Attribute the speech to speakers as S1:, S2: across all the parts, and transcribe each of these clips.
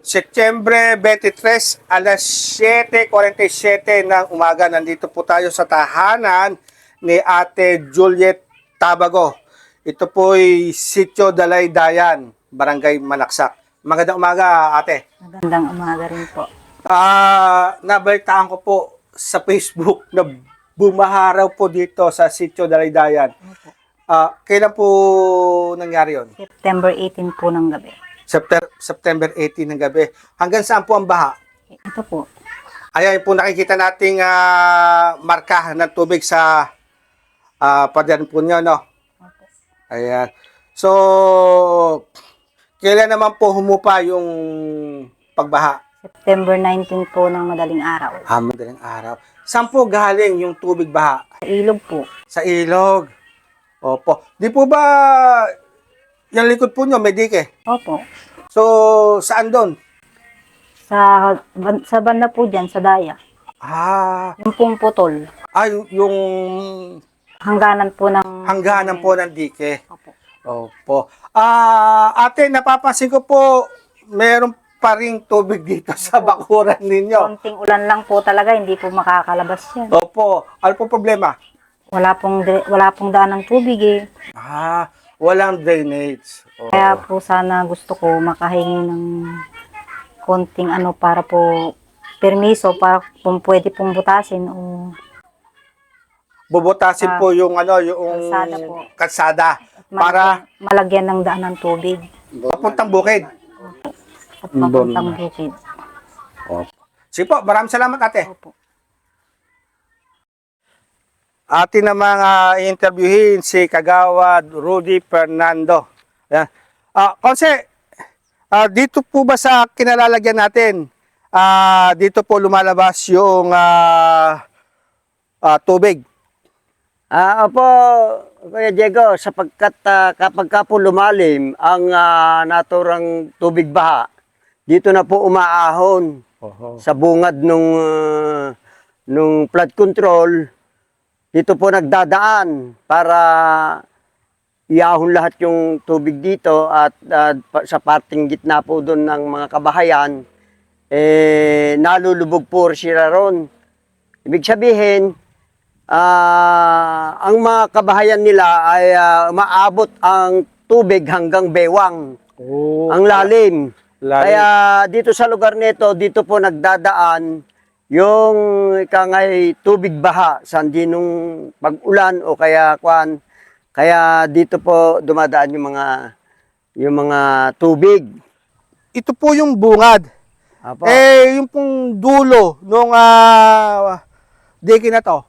S1: Setyembre 23, alas 7:47 ng umaga. Nandito po tayo sa tahanan ni Ate Juliet Tabago. Ito po'y Sitio Dalaydayan, Barangay Malaksak. Magandang umaga, Ate.
S2: Magandang umaga rin po.
S1: Nabalitaan ko po sa Facebook na bumaharaw po dito sa Sitio Dalaydayan.
S2: Opo.
S1: Kailan po nangyari yon?
S2: September 18 po ng gabi.
S1: September 18 ng gabi. Hanggang saan po ang baha?
S2: Ito po.
S1: Ayan po nakikita nating marka ng tubig sa pader po nyo, no?
S2: Opo.
S1: Ayan. So, kailan naman po humupa yung pagbaha?
S2: September 19 po ng madaling araw.
S1: Madaling araw. Saan po galing yung tubig baha?
S2: Sa ilog po.
S1: Sa ilog. Opo. Di po ba yung likod po nyo may dike?
S2: Opo.
S1: So, saan doon?
S2: Sa banda po dyan, sa daya. Yung pong putol.
S1: Yung
S2: Hangganan po ng...
S1: hangganan po ng dike.
S2: Opo.
S1: Opo. Ate, napapansin ko po, meron pa ring tubig dito sa bakuran ninyo.
S2: Konting ulan lang po talaga, hindi po makakalabas yan.
S1: Opo. Ano po problema?
S2: Wala pong daan ng tubig eh.
S1: Walang drainage. Oo.
S2: Kaya po sana gusto ko makahingi ng konting para po permiso para kung pwede pong butasin o
S1: Bubutasin po yung
S2: kalsada po.
S1: kalsada para
S2: malagyan ng daan ng tubig
S1: papuntang bukid.
S2: at papuntang bukid.
S1: Opo. Sige po, maraming salamat, Ate.
S2: Opo.
S1: Atin namang interviewin si Kagawad Rudy Fernando. Ayan. Konse, dito po ba sa kinalalagyan natin, dito po lumalabas yung tubig?
S3: Opo, Kuya Diego, sapagkat kapag ka po lumalim ang naturang tubig baha, dito na po umaahon sa bungad nung flood control. Dito po nagdadaan para iahon lahat yung tubig dito at sa parting gitna po doon ng mga kabahayan, nalulubog po sila ron. Ibig sabihin, ang mga kabahayan nila ay maabot ang tubig hanggang bewang, ang lalim. Kaya dito sa lugar nito, dito po nagdadaan yung ikangay tubig baha sa nung pag-ulan o kaya kaya dito po dumadaan yung mga tubig.
S1: Ito po yung bungad.
S3: Apo.
S1: Yung pong dulo nung dike na to,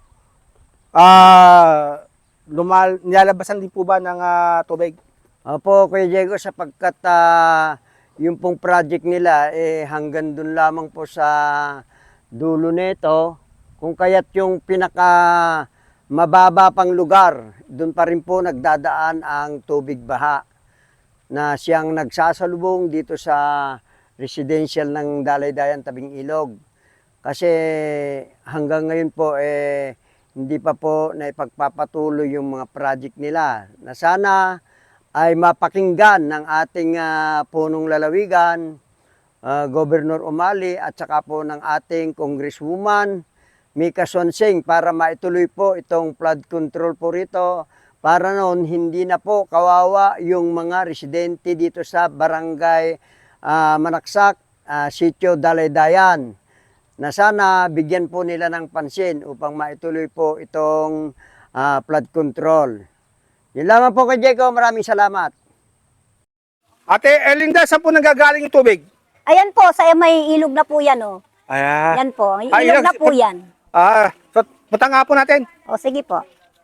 S1: nilalabasan din po ba ng tubig?
S3: Opo, Kuya Diego, sapagkat yung pong project nila hanggang dun lamang po sa dulo nito, kung kaya't yung pinaka mababa pang lugar, doon pa rin po nagdadaan ang tubig baha na siyang nagsasalubong dito sa residential ng Dalaydayan tabing ilog. Kasi hanggang ngayon po hindi pa po naipagpapatuloy yung mga project nila na sana ay mapakinggan ng ating punong lalawigan, Governor Umali at saka po ng ating Congresswoman Mika Sonsing para maituloy po itong flood control po rito para noon hindi na po kawawa yung mga residente dito sa Barangay Malaksak, Sitio Dalaydayan na sana bigyan po nila ng pansin upang maituloy po itong flood control. Yun lamang po kay Diego, maraming salamat.
S1: Ate Erlinda, saan po nanggagaling yung tubig?
S4: Ayan po, sa may ilog na po yan, oh.
S1: Ayan.
S4: Yan po, may
S1: ilog
S4: ilog na po yan.
S1: So, punta nga po natin.
S4: O, sige po.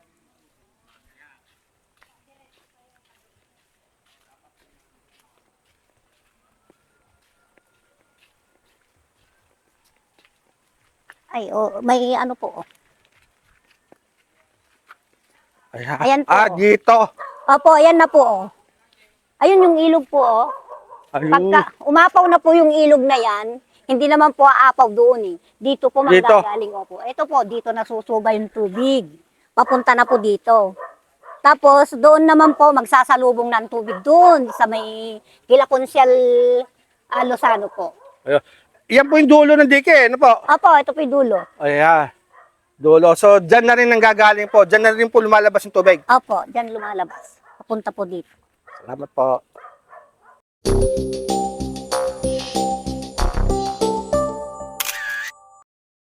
S4: Ay, may ano po, oh. Ayan po.
S1: Dito.
S4: Opo, ayan na po, oh. Ayun yung ilog po, oh.
S1: Ayun.
S4: Pagka umapaw na po yung ilog na yan, hindi naman po aapaw doon eh. Dito po
S1: Dito.
S4: manggagaling po. Ito po, dito nasusuba yung tubig. Papunta na po dito. Tapos doon naman po magsasalubong ng tubig doon sa may Kila Konsyal Lozano po.
S1: Ayun. Yan po yung dulo ng dike, ano po?
S4: Opo, ito po yung dulo.
S1: Ayan. Dulo. So, dyan na rin nanggagaling po. Dyan na rin po lumalabas yung tubig.
S4: Opo, dyan lumalabas. Papunta po dito.
S1: Salamat po.